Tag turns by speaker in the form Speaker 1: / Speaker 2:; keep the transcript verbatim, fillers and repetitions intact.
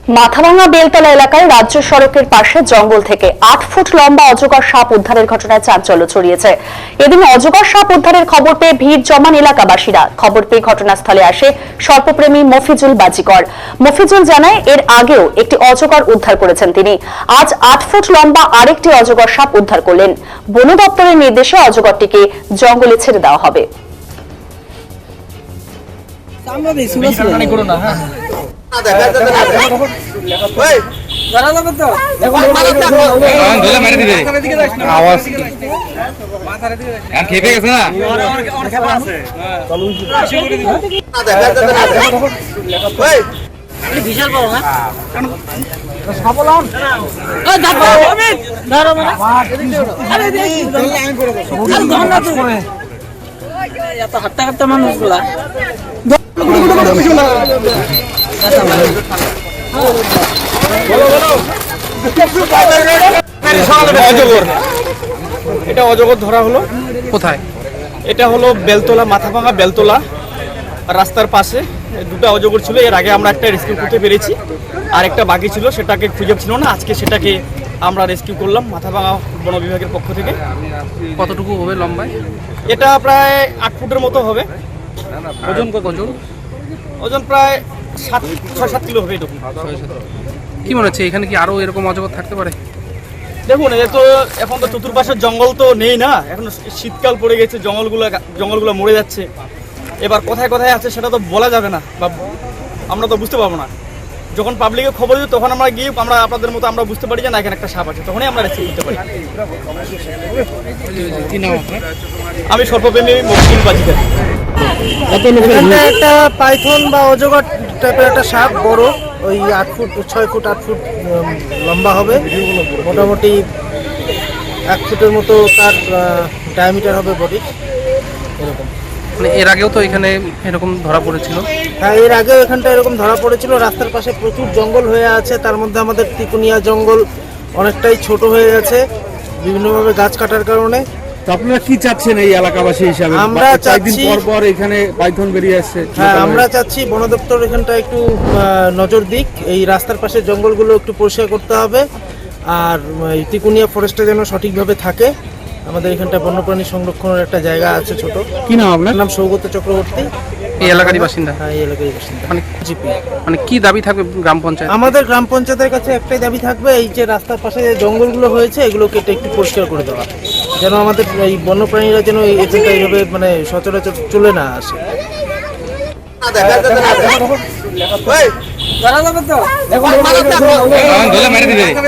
Speaker 1: মাথাভাঙা বেলতলা এলাকায় রাজ্য সড়কের পাশে জঙ্গল থেকে আট ফুট লম্বা অজগর সাপ উদ্ধারের ঘটনায় চাঞ্চল্য ছড়িয়েছে। এদিন অজগর সাপ উদ্ধারের খবর পেয়ে ভিড় জমান এলাকাবাসীরা। খবর পেয়ে ঘটনাস্থলে আসে সর্পপ্রেমী মফিজুল বাজিকর। মফিজুল জানায় এর আগেও একটি অজগর উদ্ধার করেছেন তিনি। আজ আট ফুট লম্বা আরেকটি অজগর সাপ উদ্ধার করলেন। বন দপ্তরের নির্দেশে অজগরটিকে জঙ্গলে ছেড়ে দেওয়া হবে।
Speaker 2: বিশাল বড় না হাঁটতে হাঁটতে মানুষগুলা
Speaker 3: এটা অজগর ধরা হলো।
Speaker 4: কোথায়?
Speaker 3: এটা হলো বেলতলা, মাথাভাঙা বেলতলা রাস্তার পাশে দুটো অজগর ছিল। এর আগে আমরা একটা রেস্কিউ করতে পেরেছি, আর একটা বাকি ছিল, সেটাকে খুঁজে ছিল না। আজকে সেটাকে আমরা রেস্কিউ করলাম মাথাভাঙা বন বিভাগের পক্ষ থেকে।
Speaker 4: কতটুকু হবে লম্বায়?
Speaker 3: এটা প্রায় আট ফুটের মতো হবে।
Speaker 4: ওজন কত? ওজন
Speaker 3: ওজন প্রায় সাত ছয় সাত কিলো হবে এরকম।
Speaker 4: কি মনে হচ্ছে এখানে কি আরো এরকম অজগর থাকতে পারে?
Speaker 3: দেখুন, এ তো এখন তো চতুর্পাশের জঙ্গল তো নেই না, এখন শীতকাল পড়ে গেছে, জঙ্গলগুলো জঙ্গলগুলো মরে যাচ্ছে। এবার কোথায় কোথায় আছে সেটা তো বলা যাবে না, বা আমরা তো বুঝতে পারবো না। যখন পাবলিকে খবর দিই তখন আমরা গিয়ে আমরা আপনাদের মতো আমরা বুঝতে পারি যে না এখানে একটা সাপ আছে, তখনই আমরা রেস্কিউ করতে পারি। আমি সর্বপ্রেমী মফিজুল বাজিকর।
Speaker 5: একটা পাইথন বা অজগর টাইপের একটা সাপ, বড়, ওই আট ফুট ছয় ফুট আট ফুট লম্বা হবে, মোটামুটি এক ফুটের মতো তার ডায়ামিটার হবে বডি, এরকম।
Speaker 4: মানে এর আগেও তো এখানে এরকম ধরা পড়েছিল?
Speaker 5: হ্যাঁ, এর আগেও এখানটা এরকম ধরা পড়েছিল। রাস্তার পাশে প্রচুর জঙ্গল হয়ে আছে, তার মধ্যে আমাদের তিকুনিয়া জঙ্গল অনেকটাই ছোট হয়ে গেছে বিভিন্নভাবে গাছ কাটার কারণে।
Speaker 6: আপনারা কি চাচ্ছেন এই এলাকাবাসী হিসাবে?
Speaker 5: আমরা চাচ্ছি
Speaker 6: পর পর এখানে পাইথন বেরিয়ে আসছে।
Speaker 5: হ্যাঁ, আমরা চাচ্ছি বন দপ্তর এখানটা একটু নজর দিক, এই রাস্তার পাশে জঙ্গলগুলো একটু পরিষ্কার করতে হবে, আর তিকুনিয়া ফরেস্টটা যেন সঠিকভাবে থাকে। আমাদের এখানটা বন্যপ্রাণী সংরক্ষণের একটা জায়গা আছে ছোট।
Speaker 6: কি নাম আপনার?
Speaker 5: নাম সৌগত চক্রবর্তী।
Speaker 4: এই এলাকারই বাসিন্দা?
Speaker 5: হ্যাঁ, এই এলাকারই বাসিন্দা।
Speaker 4: মানে
Speaker 5: জিপি।
Speaker 4: মানে কি দাবি থাকবে গ্রাম পঞ্চায়েত?
Speaker 5: আমাদের গ্রাম পঞ্চায়েতের কাছে একটাই দাবি থাকবে, এই যে রাস্তার পাশে যে জঙ্গলগুলো হয়েছে এগুলো কেটে একটু পরিষ্কার করে দেওয়া, যেন আমাদের এই বন্যপ্রাণীরা যেন এখানটা এইভাবে মানে সচরাচর চলে না আসে।
Speaker 2: ধরা যাবে তো